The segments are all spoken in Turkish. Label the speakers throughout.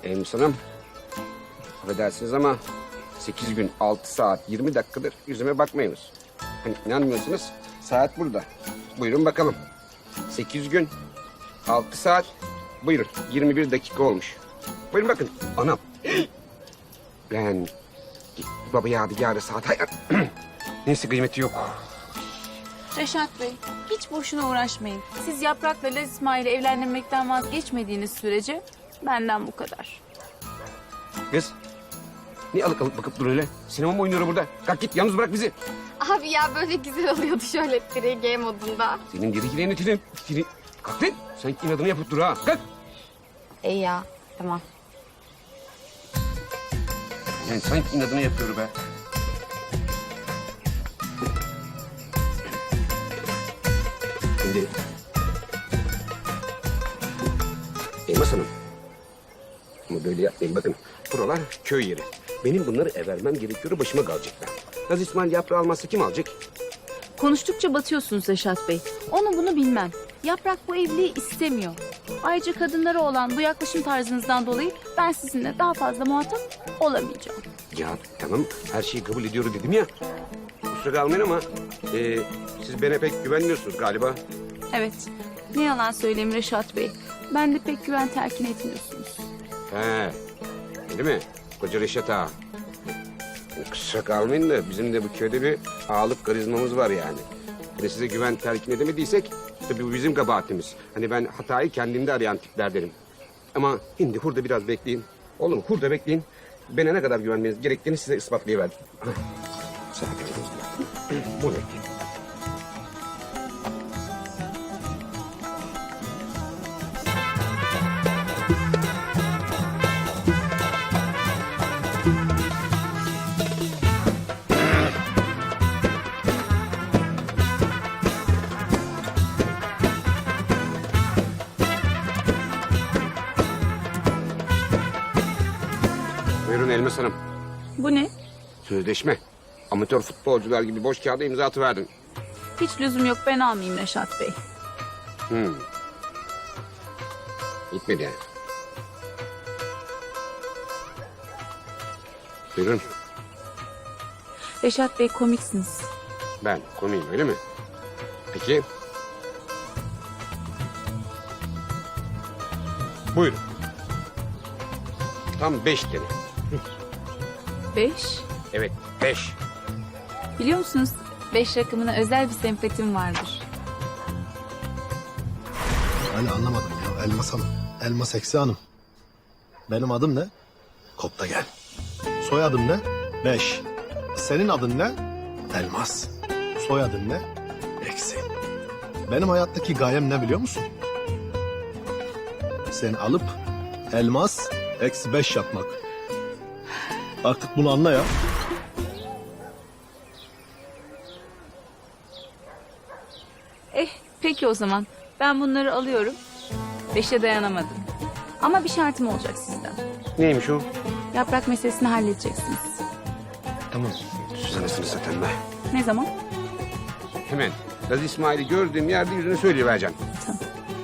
Speaker 1: Elmas Hanım, affedersiniz ama 8 gün 6 saat 20 dakikadır yüzüme bakmayınız. Hani inanmıyorsunuz, saat burada. Buyurun bakalım. 8 gün 6 saat, buyurun 21 dakika olmuş. Buyurun bakın, anam. Ben baba yadigarı saat hayır. Neyse kıymeti yok.
Speaker 2: Reşat Bey, hiç boşuna uğraşmayın. Siz Yaprak'la Laz İsmail'e evlenmekten vazgeçmediğiniz sürece benden bu kadar.
Speaker 1: Kız, niye alık alık bakıp dur öyle? Sinema mı oynuyor burada? Kalk git, yalnız bırak bizi.
Speaker 3: Abi ya böyle güzel oluyordu şöyle 3G modunda.
Speaker 1: Senin diri gireğini tirim. Kalk lan, sen inadını yapıp dur ha. Kalk.
Speaker 3: İyi ya, tamam.
Speaker 1: Yani sanki inadına yapıyor be. Şimdi... Elmas Hanım. Ama böyle yapmayın bakın. Buralar köy yeri. Benim bunları evermem gerekiyor, başıma kalacaklar. Laz İsmail yaprağı almazsa kim alacak?
Speaker 2: Konuştukça batıyorsunuz Reşat Bey. Onu bunu bilmem. Yaprak bu evliliği istemiyor. Ayrıca kadınlara olan bu yaklaşım tarzınızdan dolayı ben sizinle daha fazla muhatap olamayacağım.
Speaker 1: Ya tamam, her şeyi kabul ediyorum dedim ya. Kusura kalmayın ama siz bana pek güvenmiyorsunuz galiba.
Speaker 2: Evet, ne yalan söyleyeyim Reşat Bey. Ben de pek güven telkin etmiyorsunuz.
Speaker 1: He, öyle mi? Koca Reşat ağa. Kusura kalmayın da bizim de bu köyde bir ağalık karizmamız var yani. Hani size güven telkin edemediysek tabii bu bizim kabahatimiz. Hani ben hatayı kendimde arayan tiplerdenim. Ama şimdi hurda biraz bekleyin. Oğlum hurda bekleyin. Bana ne kadar güvenmeniz gerektiğini size ispatlayıverdim. Sakin olun. Bu bekleyin. Buyurun Elmas Hanım.
Speaker 2: Bu ne?
Speaker 1: Sözleşme. Amatör futbolcular gibi boş kağıda imza atıverdin.
Speaker 2: Hiç lüzum yok, ben almayayım Reşat Bey.
Speaker 1: Gitmedi yani. Buyurun.
Speaker 2: Reşat Bey komiksiniz.
Speaker 1: Ben komiyim öyle mi? Peki. Buyurun. Tam 5 tane.
Speaker 2: 5.
Speaker 1: Evet 5.
Speaker 2: Biliyor musunuz 5 rakamına özel bir sempatim vardır.
Speaker 4: Yani anlamadım ya. Elmas Hanım. Elmas Eksi Hanım. Benim adım ne? Kopta gel. Soyadım ne? 5. Senin adın ne? Elmas. Soyadın ne? Eksi. Benim hayattaki gayem ne biliyor musun? Seni alıp elmas eksi 5 yapmak. Artık bunu anla ya.
Speaker 2: Peki o zaman ben bunları alıyorum. 5'e dayanamadım. Ama bir şartım olacak sizden.
Speaker 1: Neymiş o?
Speaker 2: Yaprak meselesini halledeceksiniz.
Speaker 1: Tamam. Sus anasını satayım be.
Speaker 2: Ne zaman?
Speaker 1: Hemen. Laz İsmail'i gördüğüm yerde yüzüne söyleyivereceğim.
Speaker 2: Tamam.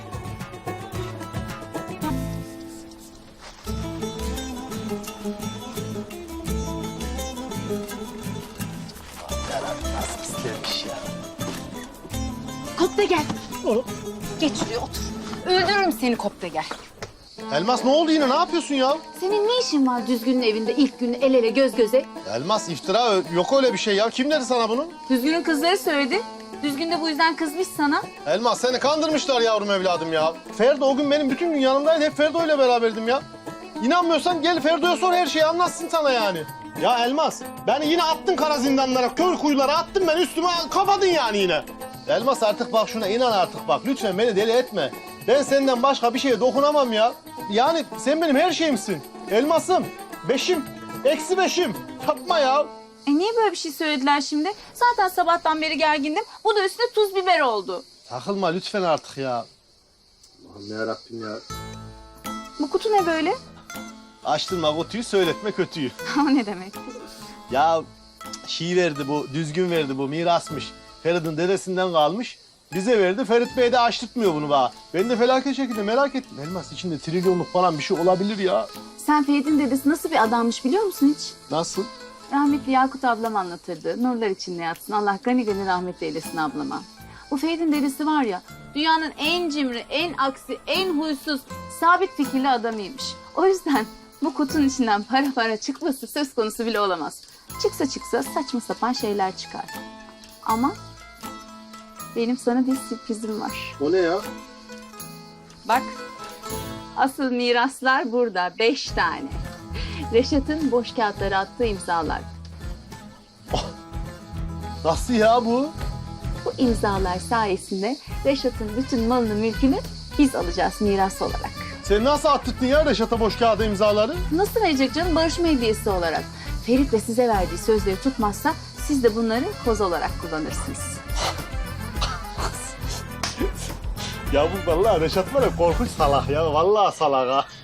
Speaker 4: Pislemiş ya.
Speaker 3: Kopta gel. Geç şuraya otur. Öldürürüm seni Kopta gel.
Speaker 4: Elmas ne oldu yine? Ne yapıyorsun ya?
Speaker 3: Senin ne işin var Düzgün'ün evinde ilk gün el ele göz göze?
Speaker 4: Elmas iftira yok öyle bir şey ya. Kim dedi sana bunu?
Speaker 2: Düzgün'ün kızları söyledi. Düzgün de bu yüzden kızmış sana.
Speaker 4: Elmas seni kandırmışlar yavrum evladım ya. Ferdo o gün benim bütün gün yanımdaydı. Hep Ferdo ile beraberdim ya. İnanmıyorsan gel Ferdo'ya sor, her şeyi anlatsın sana yani. Ya Elmas beni yine attın kara zindanlara, kör kuyulara attın, ben üstüme kapadın yani yine. Elmas artık bak şuna inan artık bak. Lütfen beni deli etme. Ben senden başka bir şeye dokunamam ya. Yani sen benim her şeyimsin. Elmasım, 5'im, eksi 5'im. Yapma ya.
Speaker 2: Niye böyle bir şey söylediler şimdi? Zaten sabahtan beri gergindim. Bu da üstüne tuz biber oldu.
Speaker 4: Takılma lütfen artık ya. Allah'ım yarabbim ya.
Speaker 2: Bu kutu ne böyle?
Speaker 4: Açtırma kutuyu, söyletme kötüyü.
Speaker 2: O ne demek?
Speaker 4: Ya verdi bu, Düzgün verdi bu, mirasmış. Feridun dedesinden kalmış. Bize verdi. Ferit Bey de açtırtmıyor bunu bana. Ben de felaket şekilde merak ettim. Elmas içinde trilyonluk falan bir şey olabilir ya.
Speaker 2: Sen Ferit'in dedesi nasıl bir adammış biliyor musun hiç?
Speaker 4: Nasıl?
Speaker 2: Rahmetli Yakut ablam anlatırdı. Nurlar içinde yatsın. Allah gani gani rahmet eylesin ablama. Bu Ferit'in dedesi var ya, dünyanın en cimri, en aksi, en huysuz, sabit fikirli adamıymış. O yüzden bu kutunun içinden para çıkması söz konusu bile olamaz. Çıksa saçma sapan şeyler çıkar. Ama benim sana bir sürprizim var.
Speaker 4: O ne ya?
Speaker 2: Bak, asıl miraslar burada, 5 tane. Reşat'ın boş kağıtları attığı imzalar.
Speaker 4: Nasıl ya bu?
Speaker 2: Bu imzalar sayesinde Reşat'ın bütün malını mülkünü biz alacağız miras olarak.
Speaker 4: Sen nasıl attırdın ya Reşat'a boş kağıda imzaları?
Speaker 2: Nasıl verecek canım? Barışma hediyesi olarak. Ferit de size verdiği sözleri tutmazsa siz de bunları koz olarak kullanırsınız.
Speaker 4: Ya bu vallahi Reşat var ya korkunç salak ya. Vallahi salak ha.